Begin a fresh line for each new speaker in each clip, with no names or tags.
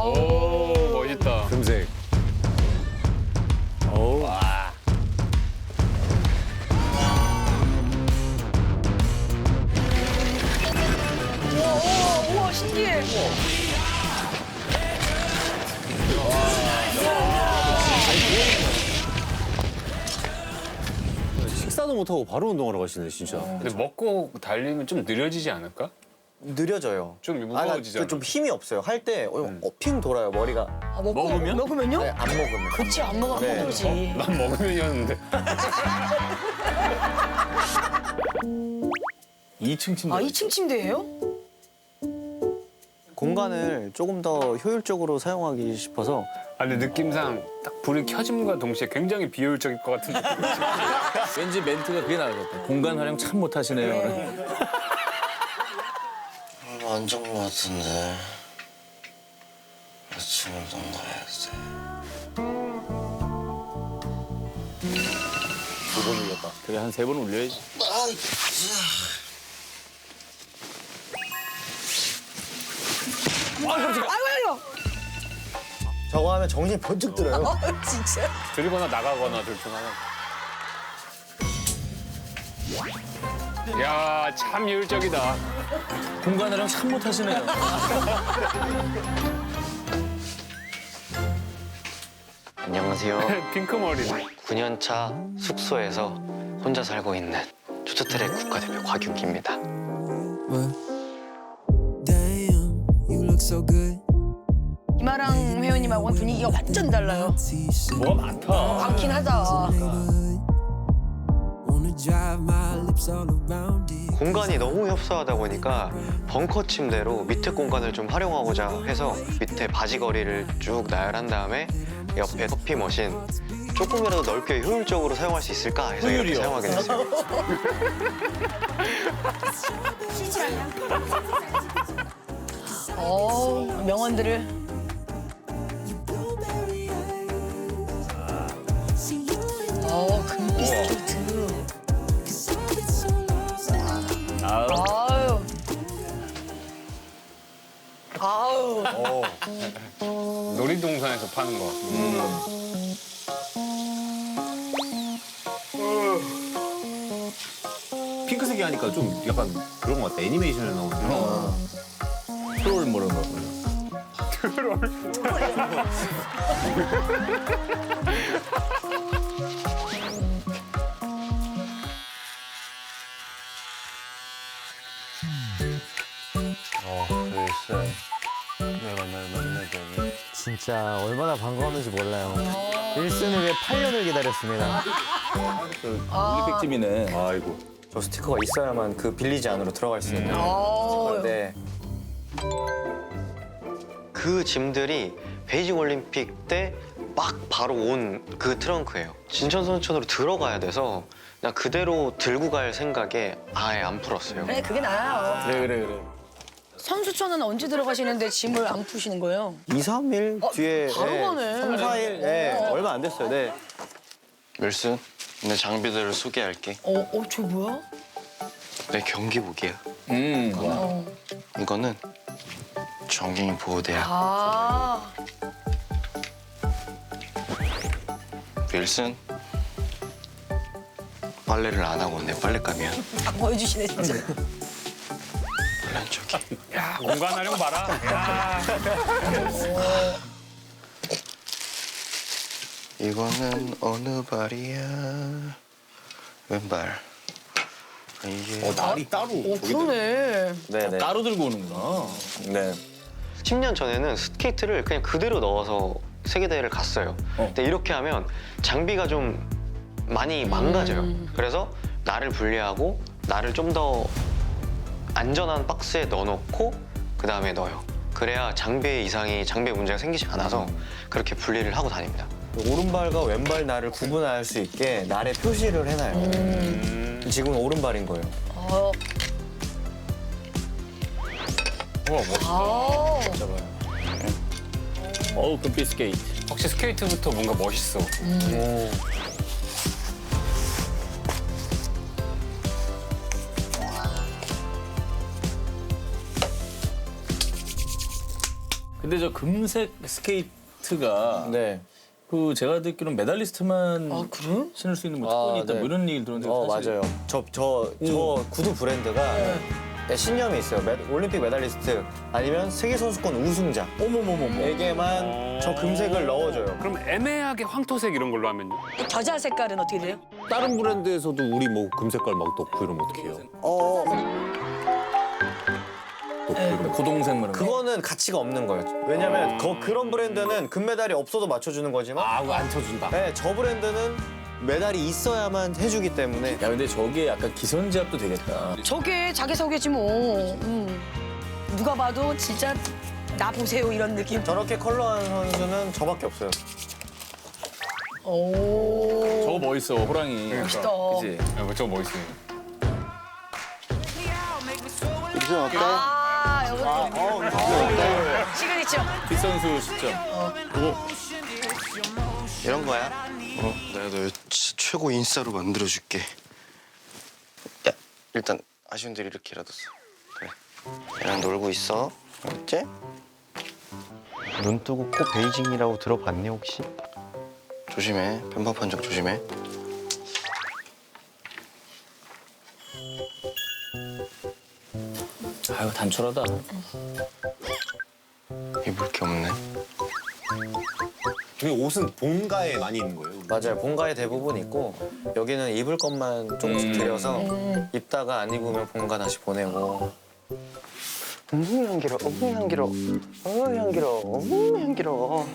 오, 멋있다.
금색. 어우.
와.
우와, 신기해.
식사도 못하고 바로 운동하러 가시네, 진짜.
근데 먹고 달리면 좀 느려지지 않을까?
느려져요.
좀
그러니까
무거워지잖아.
좀 힘이 없어요. 할 때 핑 돌아요, 머리가.
아, 먹으면요?
네, 안 먹으면.
그치, 안 먹으면
네.
힘들지.
난 먹으면이었는데.
2층 침대.
아, 2층 침대예요?
공간을 조금 더 효율적으로 사용하기 싶어서
아, 근데 느낌상 딱 불이 켜짐과 동시에 굉장히 비효율적일 것 같은 느낌.
왠지 멘트가 그게 나을 것 같아. 공간 활용 참 못하시네요.
안 좋은 것 같은데 아침 운동 가야지.
2번 울렸다. 그래, 한 3번 울려야지.
아유,
저거 하면 정신이 번쩍 들어요.
진짜.
들거나 나가거나 둘 중 하나. 야, 참 효율적이다.
공간 활용 참 못하시네요.
안녕하세요.
핑크 머리네.
9년차 숙소에서 혼자 살고 있는 쇼트트랙 국가대표 곽윤기입니다.
Damn, you look so good.
이마랑 회원님하고는 분위기가 완전 달라요.
뭐가 많다.
많긴 하다.
Wanna drive my lips all around it.
공간이 너무 협소하다 보니까 벙커 침대로 밑에 공간을 좀 활용하고자 해서 밑에 바지거리를 쭉 나열한 다음에 옆에 커피 머신 조금이라도 넓게 효율적으로 사용할 수 있을까 해서 이렇게
효율이요?
사용하게 됐어요.
명언들을. 금빛 스케이트. 아유. 아유.
놀이동산에서 파는 거.
핑크색이 하니까 좀 약간 그런 것 같다. 애니메이션에 나오는. 트롤 뭐 이런 거.
진짜 얼마나 반가웠는지 몰라요. 일순을 위해 8년을 기다렸습니다.
올림픽집이네. 아이고.
저 스티커가 있어야만 그 빌리지 안으로 들어갈 수 있는.
아유.
네.
그 짐들이 베이징 올림픽 때 막 바로 온 그 트렁크예요. 진천선천으로 들어가야 돼서 그냥 그대로 들고 갈 생각에 아예 안 풀었어요.
그래, 그게 나아요.
그래.
선수촌은 언제 들어가시는데 짐을 안 푸시는 거예요?
2, 3일 뒤에
바로 가네.
3, 4일 얼마 안 됐어요. 네.
윌슨, 내 장비들을 소개할게.
저 뭐야?
내 경기복이야. 이거는 정갱이 보호대야.
아,
윌슨, 빨래를 안 하고 내 빨랫감이야.
보여주시네, 진짜.
물론 저기.
야, 공간 활용 봐라. 야.
이거는 어느 발이야? 왼발. 이게
날이 따로.
그러네.
네.
따로 들고 오는구나.
네.
10년 전에는 스케이트를 그냥 그대로 넣어서 세계대회를 갔어요. 근데 이렇게 하면 장비가 좀 많이 망가져요. 그래서 나를 분리하고 나를 좀 더 안전한 박스에 넣어놓고 그 다음에 넣어요. 그래야 장비의 문제가 생기지 않아서 그렇게 분리를 하고 다닙니다.
오른발과 왼발 날을 구분할 수 있게 날에 표시를 해놔요. 지금은 오른발인 거예요.
어,
우와, 멋있다.
아,
어우, 금빛 스케이트.
혹시 스케이트부터 뭔가 멋있어.
근데 저 금색 스케이트가
네.
그 제가 듣기로는 메달리스트만
아 그래?
신을 수 있는 뭐 특권이 있다
네.
뭐 이런 얘기를 들었는데 사실
맞아요. 저 구두 브랜드가 신념이 있어요. 올림픽 메달리스트 아니면 세계 선수권 우승자. 에게만 저 금색을 넣어줘요.
그럼 애매하게 황토색 이런 걸로 하면요?
겨자 색깔은 어떻게 돼요?
다른 브랜드에서도 우리 뭐 금색깔 막 넣고 이러면 어떡해요? 고동색 뭐 이런 거.
그거는 가치가 없는 거예요. 왜냐면 그런 브랜드는 금메달이 없어도 맞춰주는 거지만
아, 그거 안 쳐준다.
네, 저 브랜드는 메달이 있어야만 해주기 때문에
야, 근데 저게 약간 기선제압도 되겠다.
저게 자기소개지 뭐. 누가 봐도 진짜 나 보세요 이런 느낌.
저렇게 컬러한 선수는 저밖에 없어요.
오.
저거 멋있어, 호랑이.
멋있다.
그치?
야, 저거 멋있어요.
아, 이것도 시그니처.
뒷선수 시점.
이런 거야? 내가 너 최고 인싸로 만들어줄게. 야, 일단 아쉬운 들 이렇게라도 써. 그래. 얘랑 놀고 있어. 알았지? 눈 뜨고 코 베이징이라고 들어봤니 혹시? 조심해. 편파 판정 조심해.
아유, 단촐하다.
입을 게 없네.
근데 옷은 본가에 많이 있는 거예요?
맞아요. 본가에 대부분 있고 여기는 입을 것만 조금씩 들여서 입다가 안 입으면 본가 다시 보내고.
향기로, 향기로, 향기로, 향기로.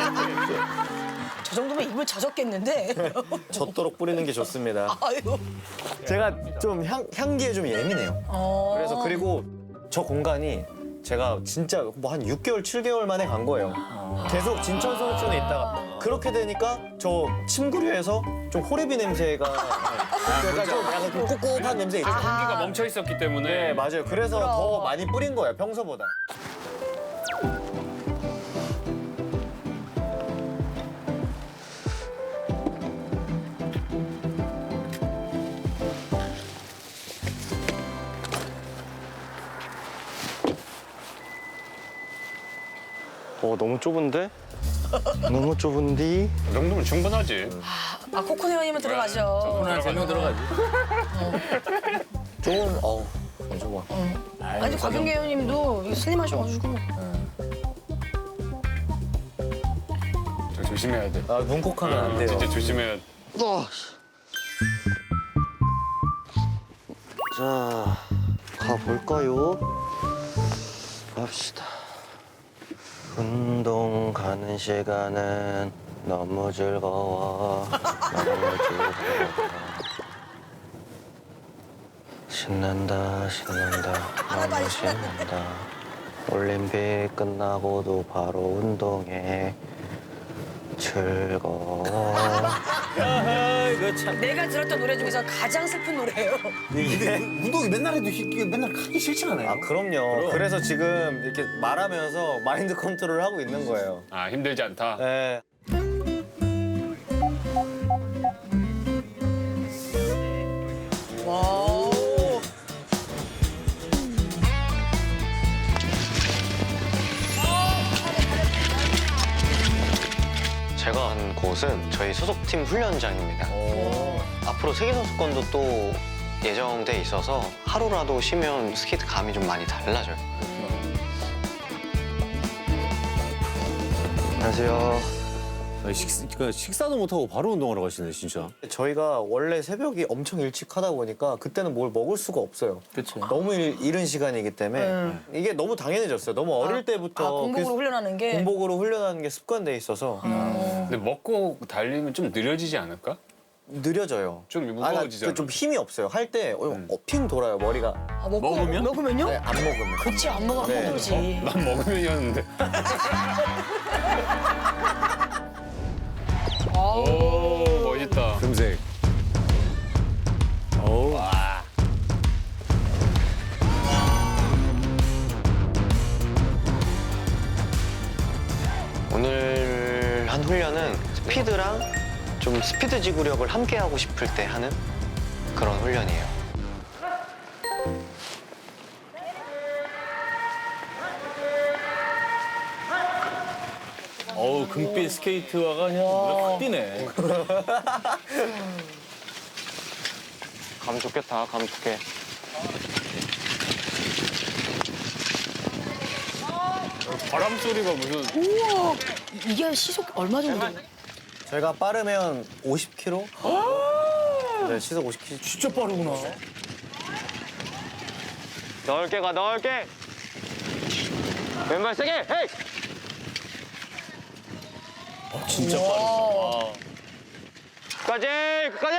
저 정도면 입을 젖었겠는데.
젖도록 뿌리는 게 좋습니다.
아유.
제가 좀 향기에 좀 예민해요. 그래서 그리고 저 공간이 제가 진짜 뭐 한 6개월, 7개월 만에 간 거예요. 계속 진천 소속촌에 있다가 그렇게 되니까 저 침구류에서 좀 호레비 냄새가 그러니까 좀 약간 좀 꿉꿉한 냄새 있죠.
공기가 멈춰 있었기 때문에.
네, 맞아요. 그래서
그럼.
더 많이 뿌린 거예요, 평소보다.
너무 좁은데? 너무 좁은데?
이 정도면 충분하지.
아 코코네 형님은 들어가죠.
오늘 한 3명 들어가지.
좀, 안 좋아.
아니 곽윤계 형님도 슬림하셔가지고.
저 조심해야 돼.
아, 문콕하면 안 돼요.
진짜 조심해야 돼.
자, 가볼까요? 갑시다. 운동 가는 시간은 너무 즐거워. 너무 즐거워. 신난다, 신난다. 너무 신난다. 올림픽 끝나고도 바로 운동해. 즐거워.
이거 참.
내가 들었던 노래 중에서 가장 슬픈 노래예요.
운동이 맨날 해도 이게 맨날 하기 싫지 않아요?
아, 그럼요. 그래서 지금 이렇게 말하면서 마인드 컨트롤을 하고 있는 거예요.
아, 힘들지 않다.
네.
와.
제가 간 곳은 저희 소속팀 훈련장입니다. 앞으로 세계선수권도 또 예정돼 있어서 하루라도 쉬면 스케이트 감이 좀 많이 달라져요. 안녕하세요.
식사도 못하고 바로 운동하러 가시네, 진짜.
저희가 원래 새벽이 엄청 일찍 하다 보니까 그때는 뭘 먹을 수가 없어요.
그치.
너무 이른 시간이기 때문에 이게 너무 당연해졌어요. 너무 어릴 때부터
공복으로 훈련하는 게.
공복으로 훈련하는 게 습관돼 있어서
근데 먹고 달리면 좀 느려지지 않을까?
느려져요.
좀
아,
무거워지잖아.
좀 힘이 없어요. 할 때 핑 돌아요, 머리가.
아,
먹으면?
먹으면요?
네, 안 먹으면.
그치 안 먹으면
네.
힘들지.
난 먹으면이었는데. 오, 멋있다.
금색. 어우.
오늘 한 훈련은 스피드랑 좀 스피드 지구력을 함께 하고 싶을 때 하는 그런 훈련이에요.
어우, 금빛 스케이트화가 그냥 눈에 확 띄네.
감 좋겠다, 감 좋게.
바람 소리가 무슨
우와, 이게 시속 얼마 정도 돼요?
제가 빠르면 50km? 네, 시속 50km.
진짜 빠르구나.
넓게 가, 넓게. 왼발 세게, 헤이!
진짜 빠르다.
끝까지, 끝까지.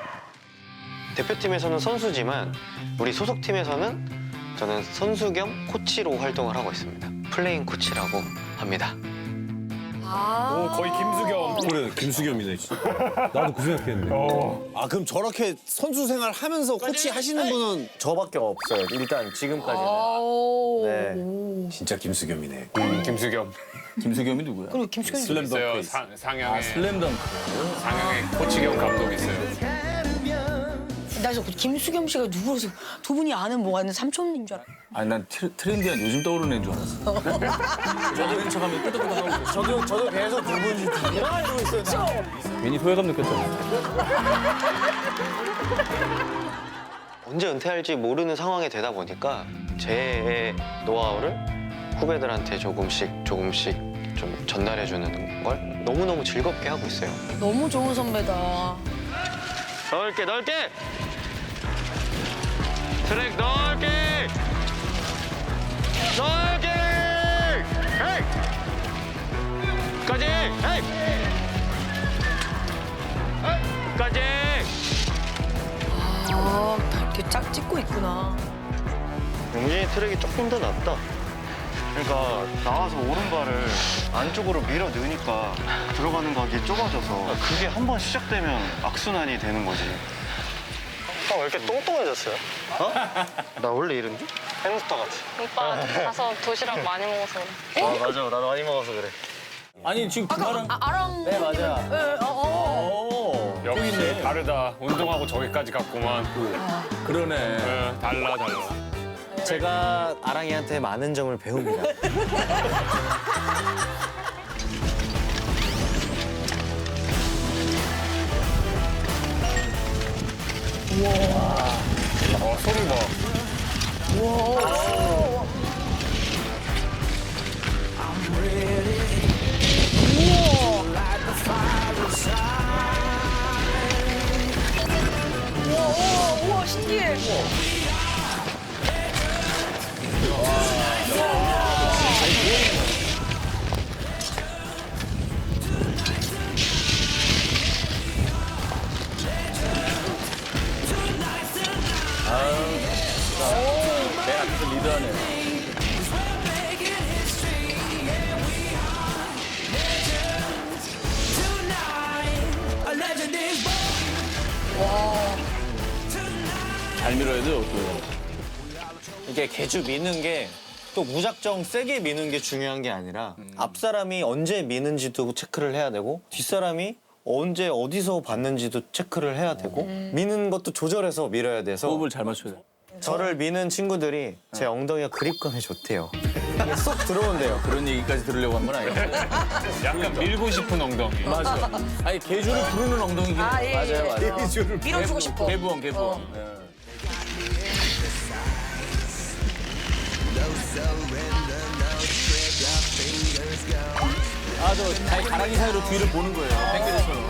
대표팀에서는 선수지만 우리 소속팀에서는 저는 선수 겸 코치로 활동을 하고 있습니다. 플레잉 코치라고 합니다.
오, 거의 김수겸.
그래, 김수겸이네, 진짜. 나도 그 생각했는데.
아 그럼 저렇게 선수 생활 하면서 코치 하시는 분은
저밖에 없어요. 일단 지금까지는.
아오.
네.
진짜 김수겸이네.
김수겸.
김수겸이 누구야?
그리고 김수겸
있어요.
슬램덩크.
상영에
슬램덩크.
상영에 코치겸 감독 있어요.
나 저 김수겸 씨가 누구라서 두 분이 아는 뭐가 있는 삼촌인 줄 알았어.
아니, 난 트렌디한 요즘 떠오르는 애인 줄 알았어. 저도 척하면 끄덕끄덕하고.
저도 계속 누군지 누구나 알고 있어요.
괜히 소외감 느꼈잖아.
언제 은퇴할지 모르는 상황이 되다 보니까 제 노하우를 후배들한테 조금씩 좀 전달해주는 걸 너무너무 즐겁게 하고 있어요.
너무 좋은 선배다.
넓게, 넓게! 트랙 넓게! 넓게! 헤이! 끝까지! 헤이! 끝까지!
아, 다 이렇게 짝 찍고 있구나.
용진이 트랙이 조금 더 낫다. 그러니까 나와서 오른발을 안쪽으로 밀어 넣으니까 들어가는 각이 좁아져서 그게 한 번 시작되면 악순환이 되는 거지. 형 왜 이렇게 똥똥해졌어요? 어? 나 원래 이런데? 햄스터 같이.
오빠 가서 도시락 많이 먹어서 그래.
아 맞아, 나도 많이 먹어서 그래.
아니, 지금 그 말은.
아랑.
네, 맞아.
네,
어,
역시 다르다. 운동하고 저기까지 갔구만.
그러네.
달라.
제가 아랑이한테 많은 점을 배웁니다.
소리 봐.
우와, 신기해.
내 앞에서 리드하네. 잘 밀어야 돼, 어떻게.
이게 개주 미는 게 또 무작정 세게 미는 게 중요한 게 아니라 앞 사람이 언제 미는지도 체크를 해야 되고 뒷 사람이 언제 어디서 봤는지도 체크를 해야 되고 미는 것도 조절해서 밀어야 돼서
호흡을 잘 맞춰야 돼.
저를 미는 친구들이 제 엉덩이가 그립감이 좋대요. 이게 쏙 들어온대요.
그런 얘기까지 들으려고 한 건 아니야.
약간 밀고 싶은 엉덩이.
맞아. 아니, 개주를 부르는 엉덩이긴 해.
아, 예, 예. 밀어주고 싶어.
개부엉. 예. 아, 저 가랑이 사이로 뒤를 보는 거예요. 땡겨져처럼.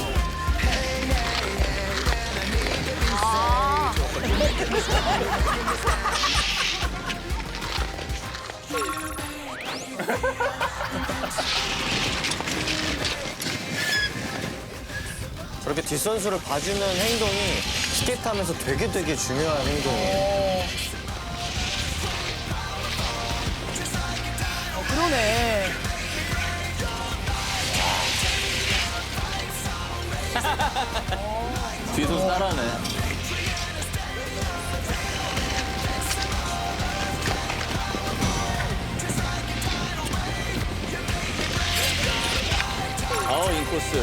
저렇게 뒷선수를 봐주는 행동이 스케이트하면서 되게 중요한 행동이에요.
그러네.
뒤에서 따라하네. 인코스.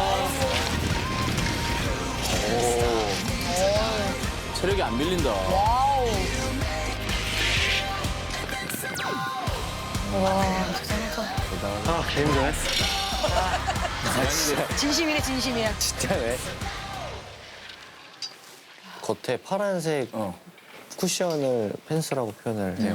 체력이 안 밀린다.
와우. 와, 대단하다.
아, 개 힘드네.
진심이네 진심이야.
진짜네. 겉에 파란색 쿠션을 펜스라고 표현을 해요.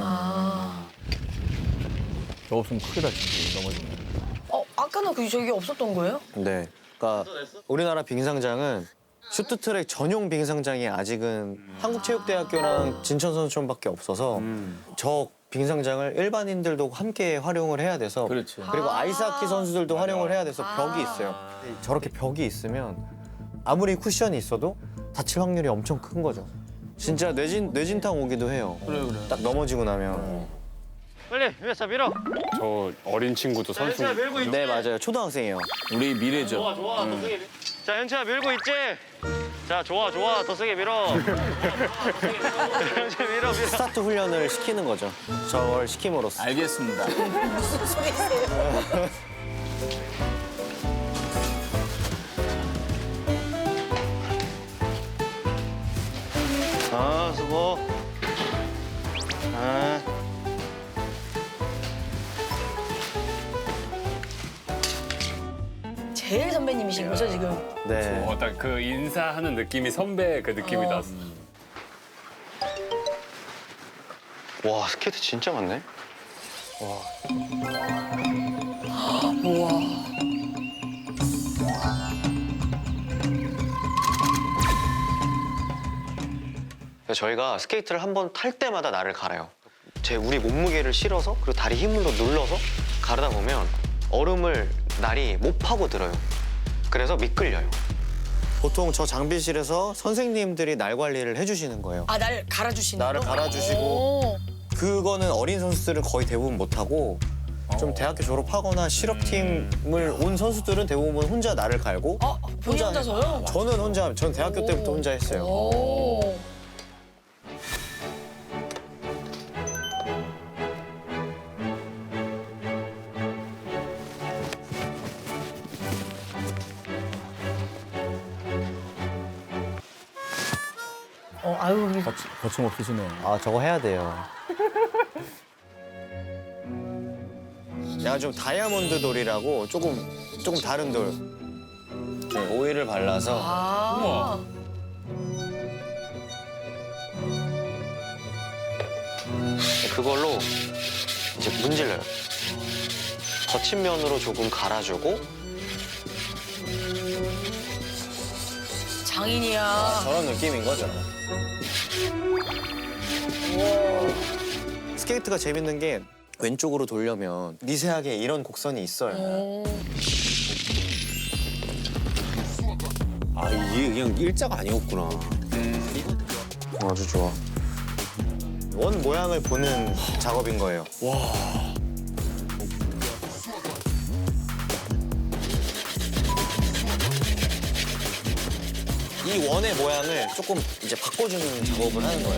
저 없으면 크게 다치지, 넘어지면.
아까는 저기 없었던 거예요?
네. 그러니까 우리나라 빙상장은 쇼트트랙 전용 빙상장이 아직은 한국체육대학교랑 진천선수촌밖에 없어서 저 빙상장을 일반인들도 함께 활용을 해야 돼서
그렇지.
그리고 아이스하키 선수들도 활용을 해야 돼서 벽이 있어요. 저렇게 벽이 있으면 아무리 쿠션이 있어도 다칠 확률이 엄청 큰 거죠. 진짜 뇌진탕 오기도 해요.
그래.
딱 넘어지고 나면.
빨리 위에서 밀어.
저 어린 친구도 선수.
네, 맞아요. 초등학생이에요.
우리 미래죠.
좋아 더 세게. 자 현채야 밀고 있지. 자 좋아 더 세게 밀어. 현채 밀어.
스타트 훈련을 시키는 거죠. 저걸 시킴으로써.
알겠습니다.
수고.
제일 선배님이신 거죠 지금?
네.
딱 그 인사하는 느낌이 선배 그 느낌이 났어.
와 스케이트 진짜 많네.
우와.
저희가 스케이트를 한 번 탈 때마다 날을 갈아요. 우리 몸무게를 실어서 그리고 다리 힘으로 눌러서 가르다 보면 얼음을 날이 못 파고 들어요. 그래서 미끌려요.
보통 저 장비실에서 선생님들이 날 관리를 해주시는 거예요.
날 갈아주시는
날을
거?
갈아주시고
오.
그거는 어린 선수들은 거의 대부분 못하고 좀 대학교 졸업하거나 실업팀을 온 선수들은 대부분 혼자 날을 갈고
본인 혼자서요?
전 대학교 때부터 혼자 했어요.
오. 아유,
거침없으시네.
아, 저거 해야 돼요. 약간 좀 다이아몬드 돌이라고 조금 다른 돌. 오일을 발라서
그걸로 이제 문질러요. 거친 면으로 조금 갈아주고
장인이야.
저런 느낌인 거죠. 스케이트가 재밌는 게 왼쪽으로 돌려면 미세하게 이런 곡선이 있어요.
아 이게 그냥 일자가 아니었구나.
아주 좋아. 원 모양을 보는 작업인 거예요. 이 원의 모양을 조금 이제 바꿔주는 작업을 하는 거예요.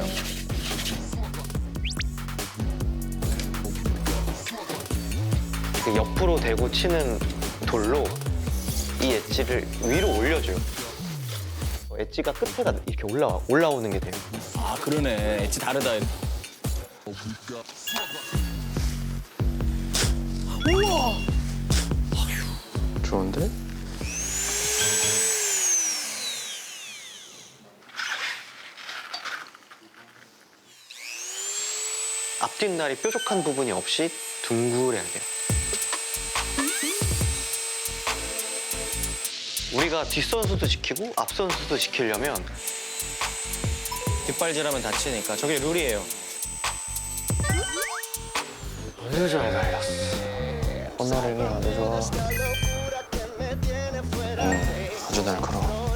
그 옆으로 대고 치는 돌로 이 엣지를 위로 올려줘요. 엣지가 끝에가 이렇게 올라오는 게 돼요.
아, 그러네. 엣지 다르다.
좋은데? 앞뒷날이 뾰족한 부분이 없이 둥그래야 돼요. 우리가 뒷선수도 지키고 앞선수도 지키려면
뒷발질하면 다치니까 저게 룰이에요.
아주 잘 달렸어.
콧나름이 아주 좋아.
아주 날카로워.